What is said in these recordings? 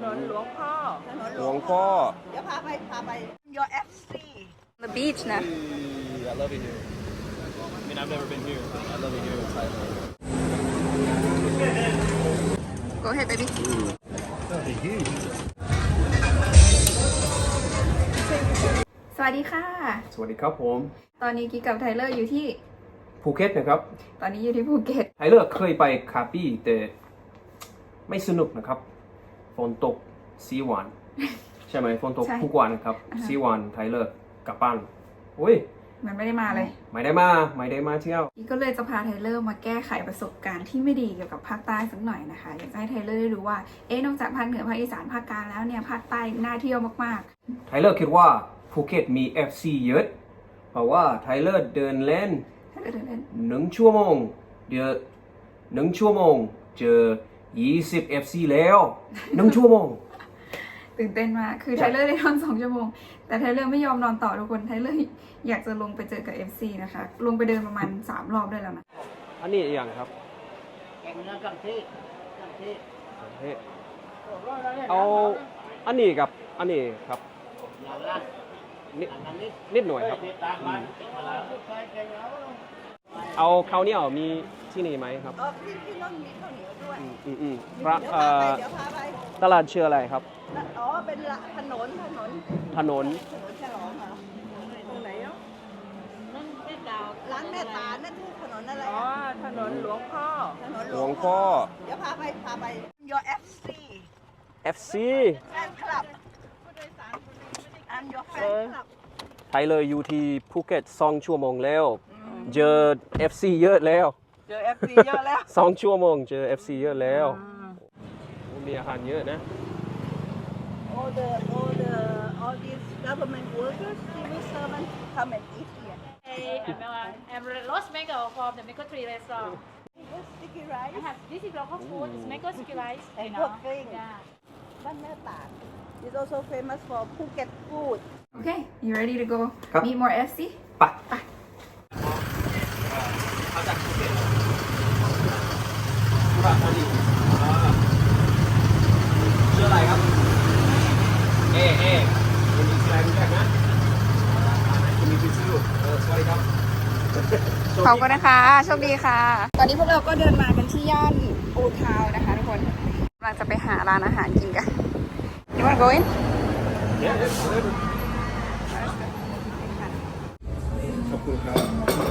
นนหลวงพ่อถนนหลวงพ่อเดี๋ยวพาไป Your FC The beach นะ I love it here. I mean, I've never been here, but I love it here in Thailand. Go ahead baby They're huge. สวัสดีค่ะสวัสดีครับผมตอนนี้กิ๊กกับไทเลอร์อยู่ที่ภูเก็ตนะครับตอนนี้อยู่ที่ภูเก็ตไทเลอร์เคยไปคาปี้แต่ไม่สนุกนะครับฝนตกสีหวาน ใช่ไหมฝนตกใช่ทุกวันครับสีหวานไทเลอร์กลับบ้านอุ้ยมันไม่ได้มาเลยไม่ได้มาเที่ยวกิ๊กก็เลยจะพาไทเลอร์มาแก้ไขประสบการณ์ที่ไม่ดีเกี่ยวกับภาคใต้สักหน่อยนะคะ อยากจะให้ไทเลอร์ได้รู้ว่า นอกจากภาคเหนือภาคอีสานภาคกลางแล้วเนี่ยภาคใต้น่าเที่ยวมากไทเลอร์คิดว่าภูเก็ตมี FC เยอะเพราะว่าไทเลอร์เดินเล่นๆไทเลอร์เดินเล่น 1 ชั่วโมง1 ชั่วโมงเจอ20 FC แล้ว1 ชั่วโมงตื่นเต้นมาก คือไทเลอร์ได้นอน2 ชั่วโมง แต่ไทเลอร์ไม่ยอมนอนต่อทุกคน ไทเลอร์อยากจะลงไปเจอกับ FC นะคะ ลงไปเดินประมาณ3 รอบได้แล้วนะอันนี้อย่างครับแกงเนื้อกังที่เอาอันนี้กับอันนี้ครับนิดหน่อยครับเอาข้าวเหนียวมีที่นี่ไหมครับที่นั่นมีข้าวเหนียวด้วยพระเดี๋ยวพาไปตลาดชื่ออะไรครับอ๋อเป็นถนนถนนฉลองเหรอตรงไหนเนาะร้านแม่ตานั่นคือถนนอะไรอ๋อถนนหลวงพ่อถนนหลวงพ่อเดี๋ยวพาไป Your FC FC Fan Club I'm your fan club ไทยเลยอยู่ที่ภูเก็ต2 ชั่วโมงแล้ว เจอ FC เยอะแล้วเจอ FC เยอะแล้ว 2 ชั่วโมงเจอ FC เยอะแล้วมีอาหารเยอะนะ all these government workers civil servants come and eat here I'm roast mango from the mango tree restaurant. sticky rice I have this is local food. It's mango sticky rice. and You good know. thing Yeah. บ้านแม่ตาด is also famous for Phuket food Okay you ready to go ครับ meet more FC ไปชื่ออะไรครับ เอคุณมีอะไรรู้จักนะคุณมีพิซซ่าสวัสดีครับขอบคุณนะคะ โชคดีค่ะ ตอนนี้พวกเราก็เดินมากันที่ย่านปูทาวนะคะทุกคนกำลังจะไปหาร้านอาหารกินกัน You wanna go in? ขอบคุณครับ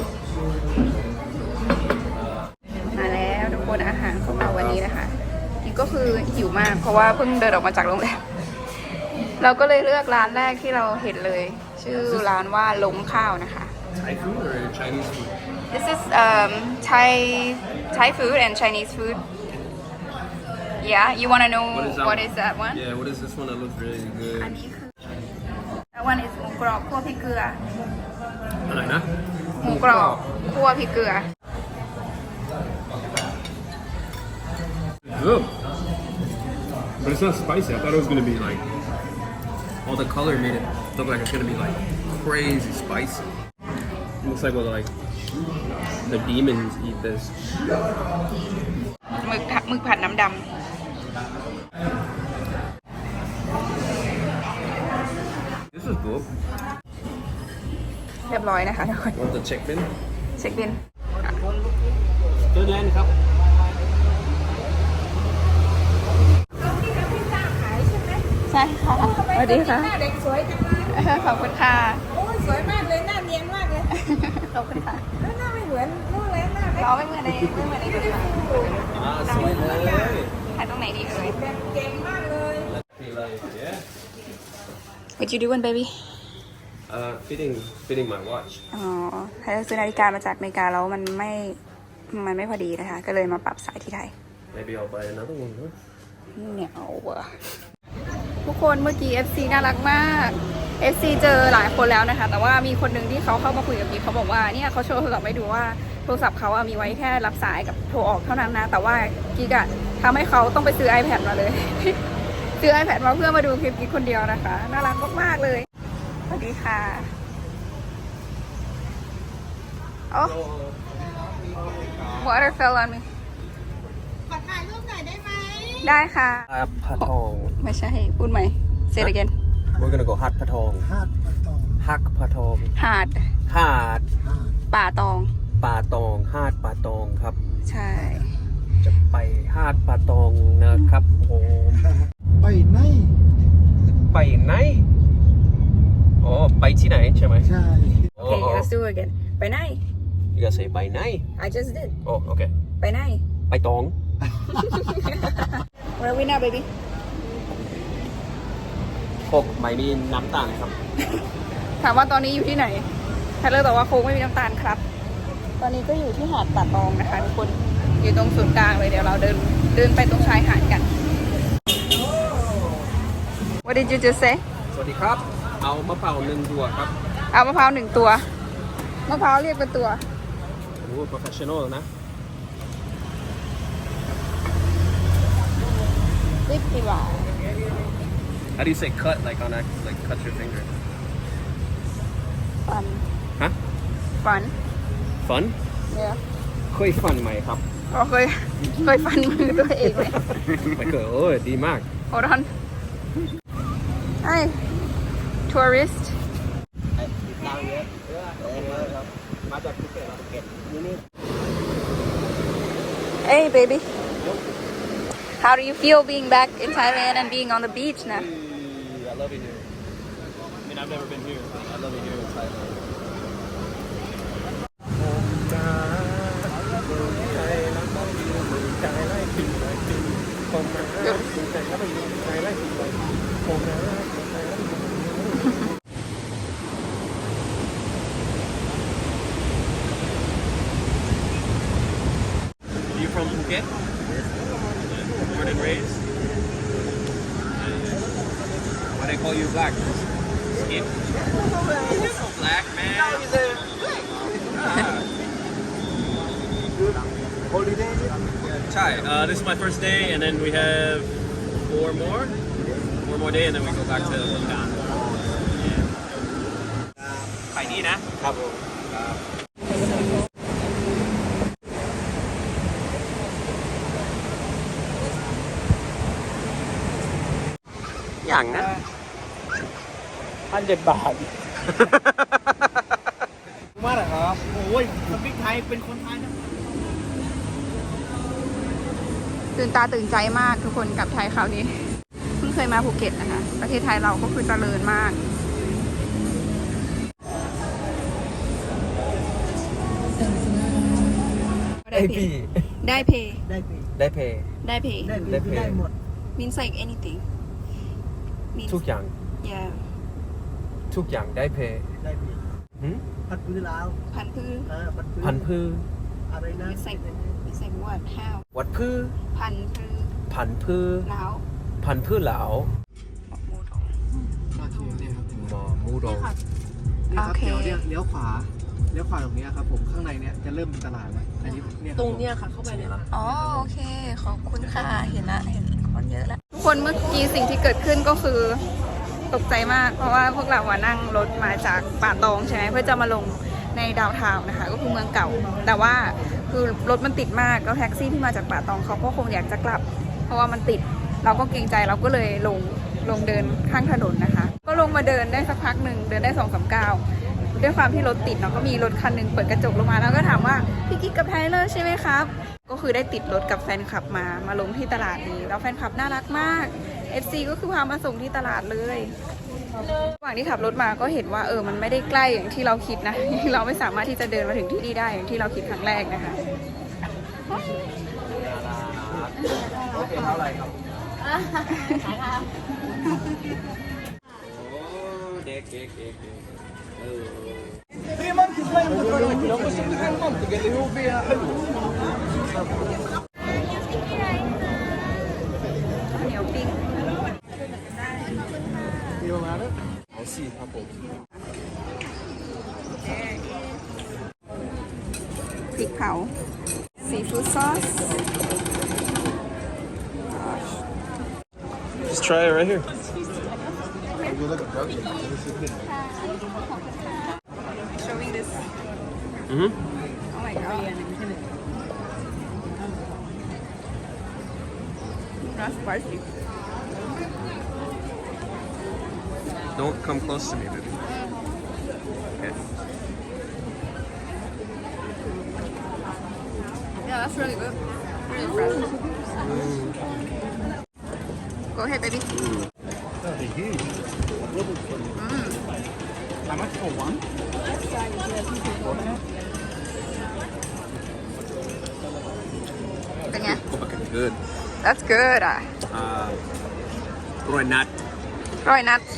มาแล้วทุกคนอาหารของเราวันนี้นะคะนี่ก็คือหิวมากเพราะว่าเพิ่งเดินออกมาจากโรงแรมเราก็เลยเลือกร้านแรกที่เราเห็นเลย ชื่อร้านว่าลงข้าวนะคะ Thai food or Chinese food? This is Thai food and Chinese food. Yeah, you wanna know what is that one? Yeah, what is this one that looks really อัน good? นี้คือ That one is หมูกรอบคั่วพริกเกลืออะไรนะหมูกรอบคั่วพริกเกลือ Good. But it's not spicy. I thought it was gonna be like all the color made it look like it's gonna be like crazy spicy. It looks like the demons eat this. หมึกผัดน้ำด This is good. ำเรียบร้อยนะคะทุกคน Want the check bin? เช็คบิน Good land ครับใช่ค่ะสวัสดีค่ะหน้าเด็กสวยจังเลยขอบคุณค่ะโอ้ยสวยมากเลยหน้าเนียนมากเลยขอบคุณค่ะแล้วหน้าไม่เหมือนนู่นเลยหน้าไม่เราไม่เหมือนในเลยค่ะสวยเลยถ่ายตรงไหนดีเอ่ยเก่งมากเลย Yeah. What you doing baby Fitting my watch. อ๋อไทยซื้อนาฬิกามาจากอเมริกาแล้วมันไม่พอดีนะคะ ก็เลยมาปรับสายที่ไทย Maybe I'll buy another one, huh? เนี่ยเอาว่ะทุกคนเมื่อกี้ FC น่ารักมาก FC เจอหลายคนแล้วนะคะ แต่ว่ามีคนหนึ่งที่เขาเข้ามาคุยกับกิ๊กเขาบอกว่าเนี่ยเขาโชว์โทรศัพท์ให้ดูว่าโทรศัพท์เขาอะมีไว้แค่รับสายกับโทรออกเท่านั้นนะ แต่ว่ากิ๊กอะทำให้เขาต้องไปซื้อ iPad มาเลย ซื้อ iPad มาเพื่อมาดูคลิปกิ๊กคนเดียวนะคะน่ารักมากๆเลยสวัสดีค่ะโอ้ water fell on me ขอถ่ายรูปหน่อยได้ไหมได้ค่ะ Patong. ไม่ใช่ พูดใหม่ say it again We're gonna go Hat Patong. Hak Patong. หาด Hat ป่าตอง Patong. Hat Patong ครับใช่จะไปหาดป่าตองนะครับผมไปไหนไปไหนอ๋อไปที่ไหนใช่ไหมใช่โอ้โอเค let's do it again ไปไหน you gotta say ไปไหน I just did โอ้โอเคไปไหนไปตอง Where are we now baby พกไม่มีน้ำตาลครับถามว่าตอนนี้อยู่ที่ไหนไทเลอร์ตอบว่าโค้งไม่มีน้ำตาลครับ ตอนนี้ก็อยู่ที่หาดป่าตองนะคะทุกคน อยู่ตรงศูนย์กลางเลย เดี๋ยวเราเดินไปตรงชายหาดกัน What did you just say สวัสดีครับ เอามะพร้าวหนึ่งตัวครับเอามะพร้าว1 ตัว มะพร้าวเรียกเป็นตัวโอ้ professional นะ 50 บาท How do you say cut like on a like cut your finger ฟันฮะฟัน fun เนี่ยเคยฟันไหมครับอ๋อเคยฟันมือตัวเองไหมไม่เคยโอ้ยดีมาก Hold on Hi tourist มาจากภูเก็ตนี่ Hey baby How do you feel being back in Thailand and being on the beach now I love it here I mean I've never been here but I love it here in Thailand อยู่ from Phuket born and raised why they call you black skin black man holiday ใช่ this is my first day and then we have four more day and then we go back to Bhutan ไปนี่นะครับผมอย่างนะ 1,000 บาทมาเหรอครับโอ้ยสปิกไทยเป็นคนไทยนะตื่นตาตื่นใจมากทุกคนกลับไทยคราวนี้ เพิ่งเคยมาภูเก็ตนะคะ ประเทศไทยเราก็คือเจริญมาก ได้เพย์ได้ปีได้เพย์ได้ปีได้เพย์ได้หมด means like anything means ทุกอย่าง yeah ทุกอย่างได้เพย์ได้ปีหืมพัดพื้นลาวพันธุ์พืชพันธุ์พืชอะไรนะ means like what how วัดพืชพันธุ์พืชพันธุ์พืชแล้วพันธุ์พืชเหลามาที่นี่ครับหมอมูโดนี่ครับเดี๋ยวเลี้ยวขวาตรงนี้ครับผมข้างในเนี่ยจะเริ่มเป็นตลาดแล้วอันนี้เนี่ยตรงเนี้ยค่ะเข้าไปเนี่ยอ๋อโอเคขอบคุณค่ะเห็นคนเยอะแล้วทุกคนเมื่อกี้สิ่งที่เกิดขึ้นก็คือตกใจมาก เพราะว่าพวกเรานั่งรถมาจากป่าตองใช่ไหมเพื่อจะมาลงในดาวน์ทาวน์นะคะ ก็คือเมืองเก่า แต่ว่าคือรถมันติดมากแล้วแท็กซี่ที่มาจากป่าตองเขาก็คงอยากจะกลับ เพราะว่ามันติดเราก็เกรงใจเราก็เลยลงเดินข้างถนนนะคะ ก็ลงมาเดินได้สักพักหนึ่งเดินได้2-3 ก้าวด้วยความที่รถติดเนาะก็มีรถคันหนึ่งเปิดกระจกลงมาแล้วก็ถามว่าพี่กิ๊กกับไทเลอร์ใช่ไหมครับก็คือได้ติดรถกับแฟนคลับมาลงที่ตลาดนี้แล้วแฟนคลับน่ารักมาก FC ก็คือพามาส่งที่ตลาดเลยระหว่างที่ขับรถมาก็เห็นว่ามันไม่ได้ใกล้อย่างที่เราคิดนะ เราไม่สามารถที่จะเดินมาถึงที่นี่ได้อย่างที่เราคิดครั้งแรกนะคะเท่าไหร่ครับเด็กเหนียวปิ้งเอาสิครับผมพริกเผาซีฟู้ดซอส Just try it right here showing this mm-hmm oh my god not spicy Don't come close to me, baby. Okay. yeah that's really good really fresh go ahead baby They're huge. How much for one? เป็นไง Okay, good. that's good อ่ะ Roy nut. ร่อยนัด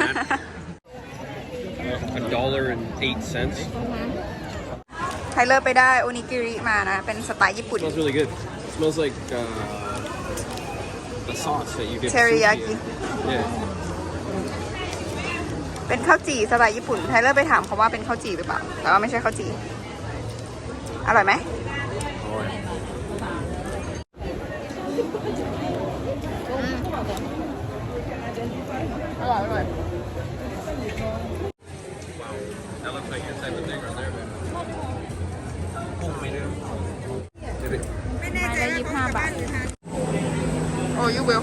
$1.08. ไทเลอร์ไปได้โอนิกิริมานะ เป็นสไตล์ญี่ปุ่น Smells really good. It smells like the sauce that you get. Teriyaki. sushi in. Yeah. เป็นข้าวจี่สไตล์ญี่ปุ่น ไทเลอร์ไปถามเขาว่าเป็นข้าวจี่หรือเปล่า แต่ว่าไม่ใช่ข้าวจี่ อร่อยไหม Alright. อร่อยอร่อย That looks like your type of thing right there, baby. Maybe. ไม้ละ25 บาท โอ้ยูวิล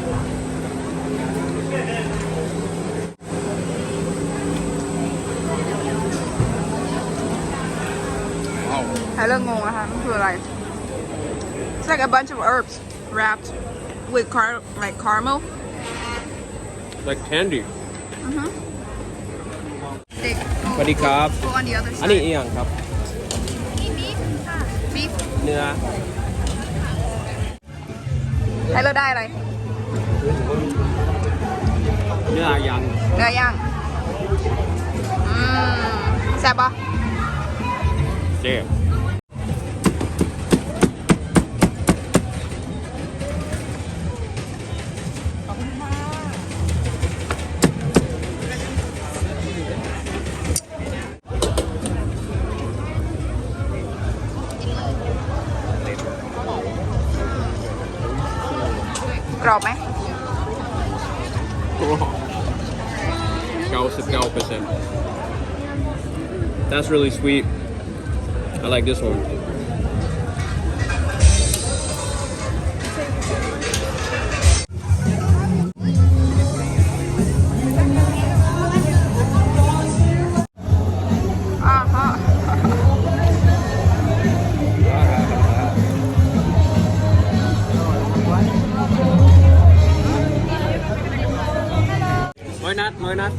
Wow. ไทเลอร์งงนะคะมันคืออะไร It's like a bunch of herbs wrapped with like caramel Like candy. เด็กสวัสดีครับ go on the other อันนี้ side อีกอย่างครับ beef เนื้อไทเลอร์ได้อะไรเนื้อย่างเนื้อย่างแซ่บปะเจ๊กรอบไหม 99%. That's really sweet. I like this one. Why not?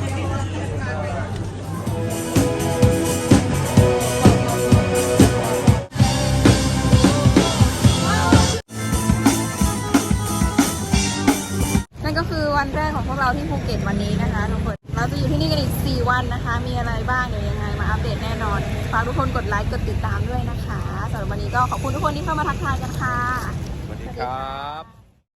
นั่นก็คือวันแรกของพวกเราที่ภูเก็ตวันนี้นะคะทุกคน เราจะอยู่ที่นี่กันอีก 4 วันนะคะ มีอะไรบ้างเดี๋ยวยังไงมาอัปเดตแน่นอน ฝากทุกคนกดไลค์กดติดตามด้วยนะคะสำหรับวันนี้ก็ขอบคุณทุกคนที่เข้ามาทักทายกันค่ะสวัสดีครับ